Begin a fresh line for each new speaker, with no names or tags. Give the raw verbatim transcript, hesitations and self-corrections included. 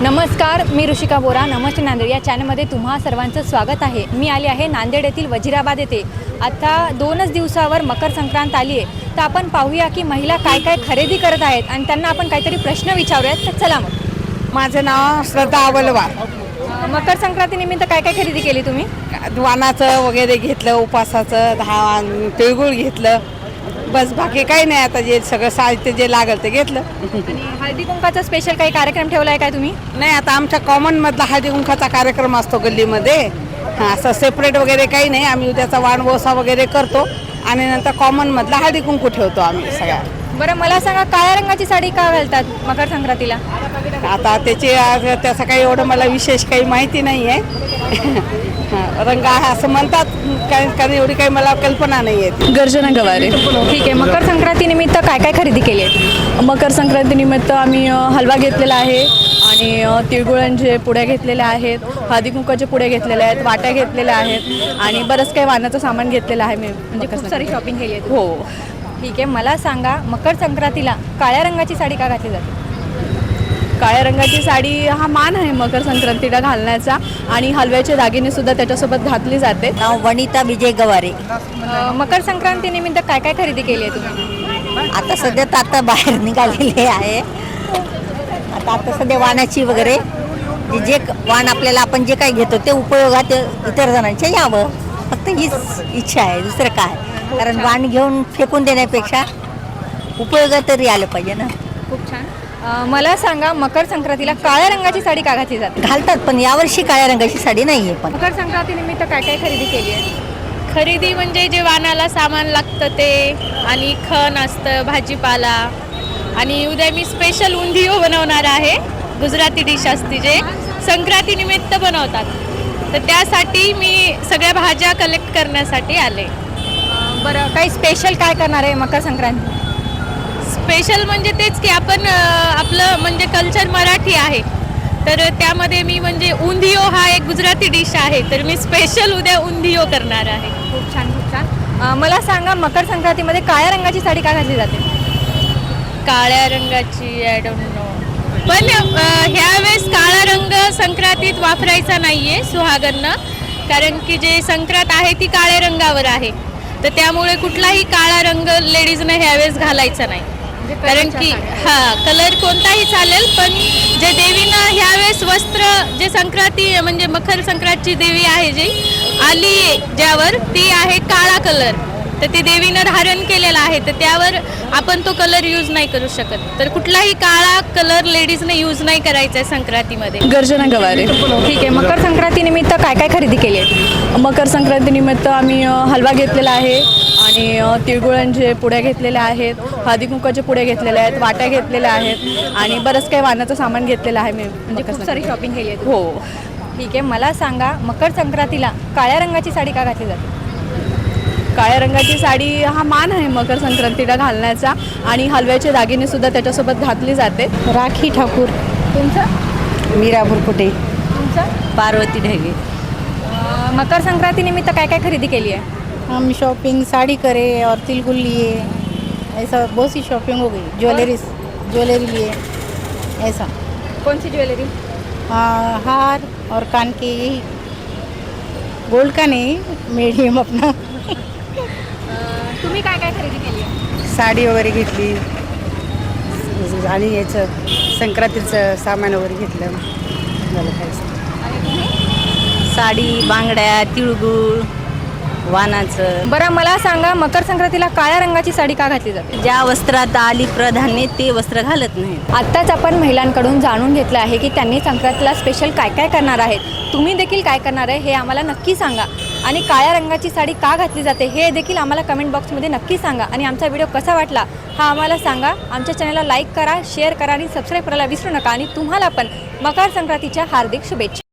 नमस्कार, मी ऋषिका बोरा. नमस्ते नांदेड या चॅनलमध्ये तुम्हा सर्वांचं स्वागत आहे. मी आले आहे नांदेड येथील वजिराबाद येथे. आता दोनच दिवसावर मकर संक्रांत आली आहे, तर आपण पाहूया की महिला काय काय खरेदी करत आहेत आणि त्यांना आपण काहीतरी प्रश्न विचारूयात. तर चला मग.
माझं नाव श्रद्धा अवलवार.
मकर संक्रांतीनिमित्त काय काय खरेदी केली तुम्ही?
वाणाचं वगैरे घेतलं, उपासाचं दहा तिळगुळ घेतलं, बस बाकी काही नाही. आता जे सगळं साहित्य जे लागलं ते घेतलं.
आणि हळदी कुंकाचा स्पेशल काही कार्यक्रम ठेवला आहे काय तुम्ही?
नाही, आता आमच्या कॉमनमधला हळदी कुंकाचा कार्यक्रम असतो गल्लीमध्ये. हां, असं सेपरेट वगैरे काही नाही. आम्ही उद्याचा वाण वोसा वगैरे करतो आणि नंतर कॉमनमधला हळदी कुंकू ठेवतो आम्ही सगळ्या.
बरं, मला सांगा, काळ्या रंगाची साडी का घालतात मकर संक्रांतीला?
आता त्याची त्याचं काही एवढं मला विशेष काही माहिती नाही आहे. रंग आहे असं म्हणतात, काही कारण एवढी काही मला कल्पना नाही आहे.
गर्जना गवारे.
ठीक आहे. मकर संक्रांतीनिमित्त काय काय खरेदी केली आहे?
मकर संक्रांतीनिमित्त आम्ही अ, हलवा घेतलेला आहे आणि अ, तिळगुळांचे पुड्या घेतलेल्या आहेत, हळदी कुंकाचे पुड्या घेतलेल्या आहेत, वाट्या घेतलेल्या आहेत आणि बरंच काही वाणाचं सामान घेतलेलं आहे मी. म्हणजे
खूप सारी शॉपिंग केली आहे.
हो.
ठीक आहे. मला सांगा, मकर संक्रांतीला काळ्या रंगाची साडी का घातली जाते?
काळ्या रंगाची साडी हा मान आहे मकर संक्रांतीला घालण्याचा आणि हलव्याचे दागिने सुद्धा त्याच्यासोबत घातली जाते.
नाव वनिता विजय गवारे.
अ, मकर संक्रांतीनिमित्त काय काय खरेदी केली आहे तुम्ही?
आता सध्या तर आता बाहेर निघालेले आहे. आता आता सध्या वाणाची वगैरे जे जे वाण आपल्याला आपण जे काही घेतो ते उपयोगात इतर जणांच्या यावं, फक्त हीच इच्छा आहे, दुसरं काय. कारण वाण घेऊन फेकून देण्यापेक्षा उपयोगात तरी आलं पाहिजे ना.
खूप छान. अ, मला सांगा, मकर संक्रांतीला काळ्या रंगाची साडी का घातली जाते?
घालतात, पण यावर्षी काळ्या रंगाची साडी नाही आहे. पण
मकर संक्रांतीनिमित्त काय काय खरेदी केली आहे?
खरेदी म्हणजे जे वाणाला सामान लागतं ते, आणि खण असतं, भाजीपाला, आणि उद्या मी स्पेशल उंधियो बनवणार आहे. गुजराती डिश असते जे संक्रांतीनिमित्त बनवतात, तर त्यासाठी मी सगळ्या भाज्या कलेक्ट करण्यासाठी आले.
अ, बरं, काही स्पेशल काय करणार आहे मकर संक्रांती?
स्पेशल म्हणजे तेच की आपण अ, आपलं म्हणजे कल्चर मराठी आहे, तर त्यामध्ये मी म्हणजे उंधियो हा एक गुजराती डिश आहे, तर मी स्पेशल उद्या उंधियो करणार आहे.
खूप छान, खूप छान. अ, मला सांगा, मकर संक्रांतीमध्ये काळ्या रंगाची साडी का घातली जाते?
काळ्या रंगाची आय डोंट नो, पण अ, ह्यावेळेस काळा रंग संक्रांतीत वापरायचा नाही आहे सुहागरनं, कारण की जे संक्रांत आहे ती काळ्या रंगावर आहे, तर त्यामुळे कुठलाही काळा रंग लेडीजनं ह्यावेळेस घालायचा नाही. कारण की हा कलर कोणताही चालेल, पण जे देवीनं ह्यावेळेस वस्त्र जे संक्रांती म्हणजे मकर संक्रांतची देवी आहे जी आली ज्यावर, ती आहे काळा कलर, तर ते देवीनं धारण केलेला आहे, तर त्यावर आपण तो कलर यूज नाही करू शकत. तर कुठलाही काळा कलर लेडीजने यूज नाही करायचा आहे संक्रांतीमध्ये.
गर्जना गवारे.
ठीक आहे. मकर संक्रांतीनिमित्त काय काय खरेदी केली आहे?
मकर संक्रांतीनिमित्त आम्ही अ, हलवा घेतलेला आहे आणि अ, तिळगुळांचे पुड्या घेतलेल्या आहेत, हळदी कुंकाचे पुड्या घेतलेल्या आहेत, वाट्या घेतलेल्या आहेत आणि बरंच काही वाणाचं सामान घेतलेलं आहे मी.
म्हणजे खूप सारी शॉपिंग केली आहे.
हो.
ठीक आहे. मला सांगा, मकर संक्रांतीला काळ्या रंगाची साडी का घातली जाते?
काळ्या रंगाची साडी हा मान आहे मकर संक्रांतीला घालण्याचा आणि हलव्याचे दागिने सुद्धा त्याच्यासोबत घातली जाते.
राखी ठाकूर.
तुमचं?
मीरा बुरकुटे.
तुमचं?
पार्वती ढगे.
अ, मकर संक्रांतीनिमित्त काय काय खरेदी केली आहे?
हम शॉपिंग साड़ी करे और तिलगुल लिए, ऐसा बहुत सी शॉपिंग हो गई. ज्वेलरी ज्वेलरी लिए ऐसा.
कौन सी ज्वेलरी?
हाँ, हार और कान के, यही गोल्ड का नहीं, मीडियम अपना.
तुम्ही काय काय खरेदी केली आहे?
साडी वगैरे घेतली आणि याचं संक्रांतीचं सामान वगैरे घेतलं. झालं काय
आणि तुम्ही?
साडी, बांगड्या, तिळगुळ, वाणाचं.
बरं, मला सांगा, मकर संक्रांतीला काळ्या रंगाची साडी का घातली जाते?
ज्या वस्त्रात आली प्राधान्य ते वस्त्र घालत नाही.
आत्ताच आपण महिलांकडून जाणून घेतलं आहे की त्यांनी संक्रांतीला स्पेशल काय काय करणार आहेत. तुम्ही देखील काय करणार आहे हे आम्हाला नक्की सांगा, आणि काळ्या रंगाची साडी का घातली जाते हे देखील आम्हाला कमेंट बॉक्समध्ये नक्की सांगा. आणि आमचा व्हिडिओ कसा वाटला हा आम्हाला सांगा. आमच्या चॅनलला लाईक करा, शेअर करा आणि सबस्क्राईब करायला विसरू नका. आणि तुम्हाला पण मकर संक्रांतीच्या हार्दिक शुभेच्छा.